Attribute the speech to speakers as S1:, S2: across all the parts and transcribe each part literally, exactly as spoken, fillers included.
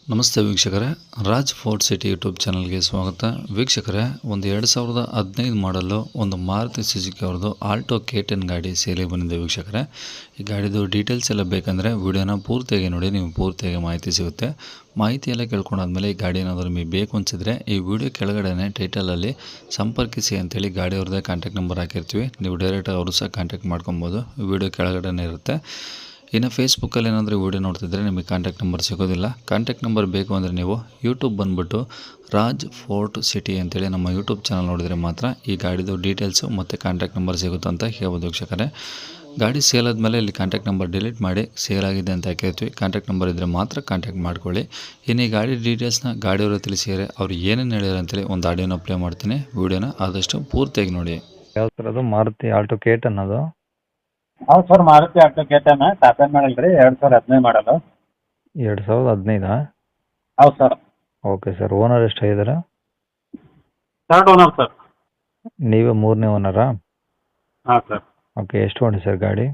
S1: ನಮಸ್ತೆ ವೀಕ್ಷಕರೇ, Raj fort city YouTube ಚಾನಲ್ಗೆ ಸ್ವಾಗತ. ವೀಕ್ಷಕರೇ, ಒಂದು ಎರಡು ಸಾವಿರದ ಹದಿನೈದು ಮಾಡಲು ಒಂದು ಮಾರುತಿ ಸುಜುಕಿ ಅವ್ರದ್ದು ಆಲ್ಟೋ ಕೆ ಟೆನ್ ಗಾಡಿ ಸೇಲಿಗೆ ಬಂದಿದೆ. ವೀಕ್ಷಕರೇ, ಈ ಗಾಡಿದು ಡೀಟೇಲ್ಸ್ ಎಲ್ಲ ಬೇಕಂದರೆ ವಿಡಿಯೋನ ಪೂರ್ತಿಯಾಗಿ ನೋಡಿ, ನೀವು ಪೂರ್ತಿಯಾಗಿ ಮಾಹಿತಿ ಸಿಗುತ್ತೆ. ಮಾಹಿತಿ ಎಲ್ಲ ಕೇಳ್ಕೊಂಡಾದ್ಮೇಲೆ ಈ ಗಾಡಿ ಏನಾದರೂ ನಿಮಗೆ ಬೇಕು ಅನಿಸಿದ್ರೆ ಈ ವಿಡಿಯೋ ಕೆಳಗಡೆ ಟೈಟಲಲ್ಲಿ ಸಂಪರ್ಕಿಸಿ ಅಂತೇಳಿ ಗಾಡಿ ಅವ್ರದ್ದೇ ಕಾಂಟ್ಯಾಕ್ಟ್ ನಂಬರ್ ಹಾಕಿರ್ತೀವಿ. ನೀವು ಡೈರೆಕ್ಟಾಗಿ ಅವರು ಸಹ ಕಾಂಟ್ಯಾಕ್ಟ್ ಮಾಡ್ಕೊಬೋದು. ವಿಡಿಯೋ ಕೆಳಗಡೆ ಇರುತ್ತೆ. ಇನ್ನು ಫೇಸ್ಬುಕ್ಕಲ್ಲಿ ಏನಾದರೂ ವೀಡಿಯೋ ನೋಡ್ತಿದ್ರೆ ನಿಮಗೆ ಕಾಂಟ್ಯಾಕ್ಟ್ ನಂಬರ್ ಸಿಗೋದಿಲ್ಲ. ಕಾಂಟ್ಯಾಕ್ಟ್ ನಂಬರ್ ಬೇಕು ಅಂದರೆ ನೀವು ಯೂಟ್ಯೂಬ್ ಬಂದುಬಿಟ್ಟು ರಾಜ್ ಫೋರ್ಟ್ ಸಿಟಿ ಅಂತೇಳಿ ನಮ್ಮ ಯೂಟ್ಯೂಬ್ ಚಾನಲ್ ನೋಡಿದರೆ ಮಾತ್ರ ಈ ಗಾಡಿದು ಡೀಟೇಲ್ಸು ಮತ್ತು ಕಾಂಟ್ಯಾಕ್ಟ್ ನಂಬರ್ ಸಿಗುತ್ತೆ ಅಂತ ಹೇಳ್ಬೋದು. ವೀಕ್ಷಕರೇ, ಗಾಡಿ ಸೇಲ್ ಆದಮೇಲೆ ಇಲ್ಲಿ ಕಾಂಟ್ಯಾಕ್ಟ್ ನಂಬರ್ ಡಿಲೀಟ್ ಮಾಡಿ ಸೇಲ್ ಆಗಿದೆ ಅಂತ ಹಾಕಿರ್ತೀವಿ. ಕಾಂಟ್ಯಾಕ್ಟ್ ನಂಬರ್ ಇದ್ದರೆ ಮಾತ್ರ ಕಾಂಟ್ಯಾಕ್ಟ್ ಮಾಡ್ಕೊಳ್ಳಿ. ಇನ್ನು ಈ ಗಾಡಿ ಡೀಟೇಲ್ಸ್ನ ಗಾಡಿಯವರು ತಿಳಿಸಿದರೆ ಅವ್ರು ಏನೇನು ಹೇಳ್ಯಾರ ಅಂತೇಳಿ ಒಂದು ಆಡಿಯೋನ ಪ್ಲೇ ಮಾಡ್ತೀನಿ. ವೀಡಿಯೋನ ಆದಷ್ಟು ಪೂರ್ತಿಯಾಗಿ ನೋಡಿ.
S2: ಯಾವ ಥರ ಅದು ಮಾರುತಿ ಆಲ್ಟೋ ಕೆ ಟೆನ್ ಅದು?
S3: ಹೌದು sir, Maruti Alto K ten top end model ರೀ, ಎರಡು ಸಾವಿರದ ಹದಿನೈದು ಮಾಡಲು.
S2: ಎರಡು ಸಾವಿರದ ಹದಿನೈದಾ?
S3: ಹೌದು ಸರ್.
S2: Okay sir. ಓನರ್ ಎಷ್ಟಾಗಿದ್ದಾರೆ?
S3: Third owner sir.
S2: ನೀವೇ ಮೂರನೇ ಓನರಾ?
S3: ಹಾಂ ಸರ್.
S2: ಓಕೆ. ಎಷ್ಟು ಹೊಂಡಿ ಸರ್ ಗಾಡಿ?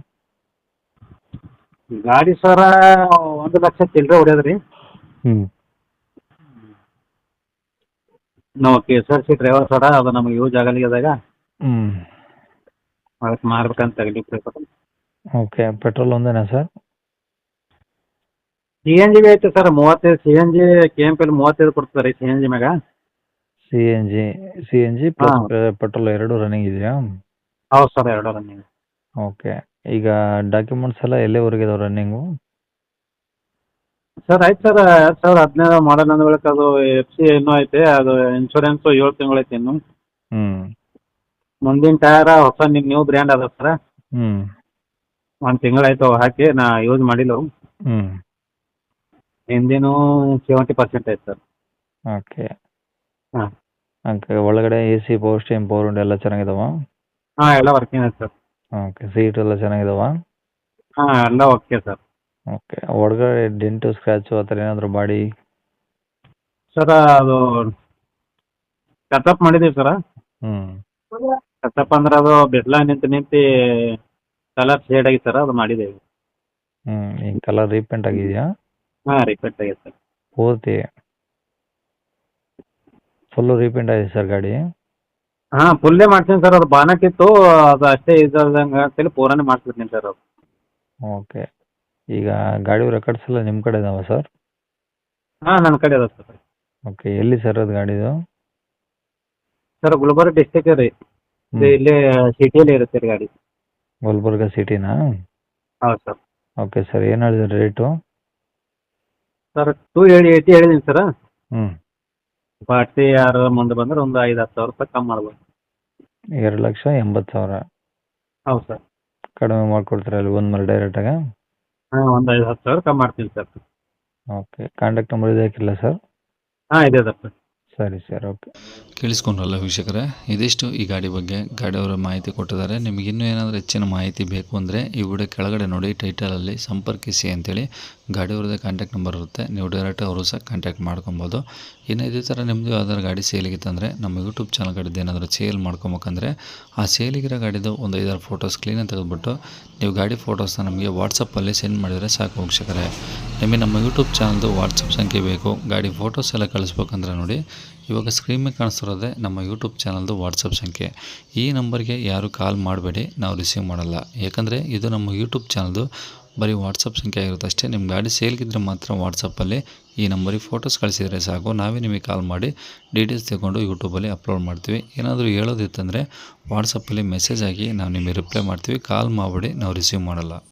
S3: ಗಾಡಿ ಸರ ಒಂದು ಲಕ್ಷ ಚಿಲ್ಲರೆ ಹೊಡ್ಯದ ರೀ.
S2: ಹ್ಞೂ
S3: ನಾವು K S R C driver sir, ಅದು ನಮಗೆ ಯೂಸ್ ಆಗಲಿದಾಗ
S2: ಹ್ಞೂ
S3: ಅದಕ್ಕೆ ಮಾರ್ಬೇಕಂತ ತಗಲಿಕ್ಕೆ.
S2: ಓಕೆ. ಪೆಟ್ರೋಲ್ ಒಂದೇನಾ ಸರ್?
S3: ಸಿ ಎನ್ ಜಿ ಬಿ ಐತೆ ಸರ್, ಮೂವತ್ತೈದು C N G K M ಪಿಲಿ ಮೂವತ್ತೈದು ಕೊಡ್ತಾರೆ ಸಿ ಎನ್ ಜಿ ಮ್ಯಾಗ.
S2: C N G C N G plus petrol ಎರಡು ರನ್ನಿಂಗ್ ಇದೆಯಾ?
S3: ಹೌದು ಸರ್, ಎರಡು ರನ್ನಿಂಗ್.
S2: ಓಕೆ. ಈಗ ಡಾಕ್ಯುಮೆಂಟ್ಸ್ ಎಲ್ಲ ಎಲ್ಲಿವರೆಗೆ ಇದಾವೆ ರನ್ನಿಂಗು?
S3: ಸರ್ ಆಯ್ತು ಸರ್, ಎರಡು ಸಾವಿರದ ಹದಿನೈದು ಮಾಡಲ್ ಅಂದ ಬಳಿಕ ಅದು ಎಫ್ ಸಿ ಇನ್ನೂ ಐತೆ, ಅದು ಇನ್ಶೂರೆನ್ಸು ಏಳು ತಿಂಗಳು ಐತೆ ಇನ್ನು.
S2: ಹ್ಞೂ
S3: ಮುಂದಿನ ಟಯರ ಹೊಸ ನ್ಯೂ ಬ್ರ್ಯಾಂಡ್ ಅದ ಸರ್.
S2: ಹ್ಞೂ
S3: ಒಂದು ತಿಂಗಳಾಯ್ತು ಹಾಕಿ, ನಾ ಯೂಸ್ ಮಾಡಿಲ್ಲ.
S2: ಹ್ಞೂ
S3: ಹಿಂದಿನೂ ಸೆವೆಂಟಿ ಪರ್ಸೆಂಟ್ ಐತೆ ಸರ್.
S2: ಓಕೆ.
S3: ಹಾಂ
S2: ಓಕೆ. ಒಳಗಡೆ A C, power steering, power window ಎಲ್ಲ ಚೆನ್ನಾಗಿದಾವ?
S3: ಹಾಂ ಎಲ್ಲ ವರ್ಕಿಂಗ್ ಐತೆ ಸರ್.
S2: ಓಕೆ. ಸೀಟ್ ಎಲ್ಲ ಚೆನ್ನಾಗಿದಾವ?
S3: ಹಾಂ ಎಲ್ಲ ಓಕೆ ಸರ್.
S2: ಓಕೆ. ಒಳಗಡೆ ಡೆಂಟು, ಸ್ಕ್ರ್ಯಾಚು ಆ ಥರ ಏನಾದರೂ ಬಾಡಿ?
S3: ಸರ್ ಅದು ಟಚಪ್ ಮಾಡಿದ್ದೀವಿ ಸರ.
S2: ಹ್ಞೂ
S3: ಟಚಪ್ ಅಂದ್ರೆ ಅದು ಬೆಟ್ಲ ನಿಂತು ನಿಂತು ಕಲರ್ ಶೇಡ್ ಆಗಿ ಸರ್, ಅದು ಮಾಡಿದ್ದೇವೆ.
S2: ಹ್ಞೂ ಈ ಕಲರ್ ರೀಪೇಂಟ್ ಆಗಿದೆಯಾ?
S3: ಹಾಂ ರಿಪೇಟ್ ಆಗೈತೆ ಸರ್.
S2: ಪೂರ್ತಿ ಫುಲ್ಲು ರೀಪೇಂಟ್ ಆಗಿದೆ ಸರ್ ಗಾಡಿ?
S3: ಹಾಂ ಫುಲ್ಲೇ ಮಾಡ್ತೀನಿ ಸರ್. ಅದು ಬಾನಕಿತ್ತು, ಅದು ಅಷ್ಟೇ ಇದ್ದಂಗೆ ಅಂತೇಳಿ ಪೂರಾನೇ ಮಾಡಿಸ್ಬಿಡ್ತೀನಿ ಸರ್ ಅದು.
S2: ಓಕೆ. ಈಗ ಗಾಡಿ ರೆಕಾರ್ಡ್ಸ್ ಎಲ್ಲ ನಿಮ್ಮ ಕಡೆ ಇದಾವ ಸರ್?
S3: ಹಾಂ ನನ್ನ ಕಡೆ ಅದ ಸರ್.
S2: ಓಕೆ. ಎಲ್ಲಿ ಸರ್ ಅದು ಗಾಡಿದು?
S3: ಸರ್ ಗುಲ್ಬರ್ಗ ಡಿಸ್ಟಿಕ್ ರೀ. ಇದು ಇಲ್ಲೇ ಸಿಟಿಯಲ್ಲಿ ಇರುತ್ತೆ ರೀ ಗಾಡಿ.
S2: ಗುಲ್ಬರ್ಗ ಸಿಟಿನಾ?
S3: ಹೌದು ಸರ್.
S2: Okay sir. ಏನು ಹೇಳಿದ್ರಿ rate?
S3: Sir two eighty eighty ಹೇಳಿದ್ದೀನಿ ಸರ್.
S2: ಹ್ಞೂ
S3: ಪಾರ್ಟಿ ಯಾರು ಮುಂದೆ ಬಂದ್ರೆ ಒಂದು ಐದು ಹತ್ತು ಸಾವಿರ ರೂಪಾಯಿ ಕಮ್ಮಿ ಮಾಡ್ಬೋದು.
S2: ಎರಡು ಲಕ್ಷ ಎಂಬತ್ತು ಸಾವಿರ
S3: ಹೌದು ಸರ್.
S2: ಕಡಿಮೆ ಮಾಡಿಕೊಡ್ತೀರಾ ಅಲ್ಲಿ ಒಂದು ಮೇಲೆ ಡೈರೆಕ್ಟಾಗ?
S3: ಹಾಂ ಒಂದು ಐದು ಹತ್ತು ಸಾವಿರ ಕಮ್ಮಿ ಮಾಡ್ತೀನಿ ಸರ್.
S2: ಓಕೆ. ಕಾಂಟ್ಯಾಕ್ಟ್ ನಂಬರ್ ಇದೆ ಹಾಕಿಲ್ಲ ಸರ್?
S3: ಹಾಂ ಇದೆ ಸರ್.
S2: ಸರಿ ಸರ್. ಓಕೆ.
S1: ಕೇಳಿಸ್ಕೊಂಡ್ರಲ್ಲ ವೀಕ್ಷಕರೇ, ಇದಿಷ್ಟು ಈ ಗಾಡಿ ಬಗ್ಗೆ ಗಾಡಿಯವರ ಮಾಹಿತಿ ಕೊಟ್ಟಿದ್ದಾರೆ. ನಿಮಗೆ ಇನ್ನೂ ಏನಾದರೂ ಹೆಚ್ಚಿನ ಮಾಹಿತಿ ಬೇಕು ಅಂದರೆ ಈ ವಿಡಿಯೋ ಕೆಳಗಡೆ ನೋಡಿ ಟೈಟಲಲ್ಲಿ ಸಂಪರ್ಕಿಸಿ ಅಂತೇಳಿ ಗಾಡಿಯವ್ರದ್ದೇ ಕಾಂಟ್ಯಾಕ್ಟ್ ನಂಬರ್ ಇರುತ್ತೆ. ನೀವು ಡೈರೆಕ್ಟ್ ಅವರು ಸಹ ಕಾಂಟ್ಯಾಕ್ಟ್ ಮಾಡ್ಕೊಬೋದು. ಇನ್ನು ಇದೇ ಥರ ನಿಮ್ಮದು ಯಾವ್ದಾದ್ರು ಗಾಡಿ ಸೇಲಿಗಿತ್ತಂದರೆ ನಮ್ಮ ಯೂಟ್ಯೂಬ್ ಚಾನಲ್ ಕಡೆದು ಏನಾದರೂ ಸೇಲ್ ಮಾಡ್ಕೊಬೇಕಂದ್ರೆ ಆ ಸೇಲಿಗಿರೋ ಗಾಡಿದು ಒಂದು ಐದಾರು ಫೋಟೋಸ್ ಕ್ಲೀನಾಗಿ ತೆಗೆದುಬಿಟ್ಟು ನೀವು ಗಾಡಿ ಫೋಟೋಸ್ನ ನಮಗೆ ವಾಟ್ಸಪ್ಪಲ್ಲಿ ಸೆಂಡ್ ಮಾಡಿದರೆ ಸಾಕು ವೀಕ್ಷಕರೇ. ನಿಮಗೆ ನಮ್ಮ ಯೂಟ್ಯೂಬ್ ಚಾನಲ್ದು ವಾಟ್ಸಪ್ ಸಂಖ್ಯೆ ಬೇಕು, ಗಾಡಿ ಫೋಟೋಸ್ ಎಲ್ಲ ಕಳಿಸ್ಬೇಕಂದ್ರೆ ನೋಡಿ ಇವಾಗ ಸ್ಕ್ರೀನ್ ಮೇಲೆ ಕಾಣಿಸ್ತಿರೋದೇ ನಮ್ಮ ಯೂಟ್ಯೂಬ್ ಚಾನಲ್ದು ವಾಟ್ಸಪ್ ಸಂಖ್ಯೆ. ಈ ನಂಬರ್ಗೆ ಯಾರು ಕಾಲ್ ಮಾಡಬೇಡಿ, ನಾವು ರಿಸೀವ್ ಮಾಡಲ್ಲ. ಯಾಕಂದರೆ ಇದು ನಮ್ಮ ಯೂಟ್ಯೂಬ್ ಚಾನಲ್ದು ಬರೀ ವಾಟ್ಸಪ್ ಸಂಖ್ಯೆ ಆಗಿರುತ್ತೆ ಅಷ್ಟೇ. ನಿಮ್ಮ ಗಾಡಿ ಸೇಲ್ಗಿದ್ರೆ ಮಾತ್ರ ವಾಟ್ಸಪ್ಪಲ್ಲಿ ಈ ನಂಬರಿಗೆ ಫೋಟೋಸ್ ಕಳಿಸಿದರೆ ಸಾಕು, ನಾವೇ ನಿಮಗೆ ಕಾಲ್ ಮಾಡಿ ಡೀಟೇಲ್ಸ್ ತಗೊಂಡು ಯೂಟ್ಯೂಬಲ್ಲಿ ಅಪ್ಲೋಡ್ ಮಾಡ್ತೀವಿ. ಏನಾದರೂ ಹೇಳೋದಿತ್ತಂದರೆ ವಾಟ್ಸಪ್ಪಲ್ಲಿ ಮೆಸೇಜ್ ಆಗಿ ನಾವು ನಿಮಗೆ ರಿಪ್ಲೈ ಮಾಡ್ತೀವಿ. ಕಾಲ್ ಮಾಡಿಬಿಡಿ, ನಾವು ರಿಸೀವ್ ಮಾಡಲ್ಲ.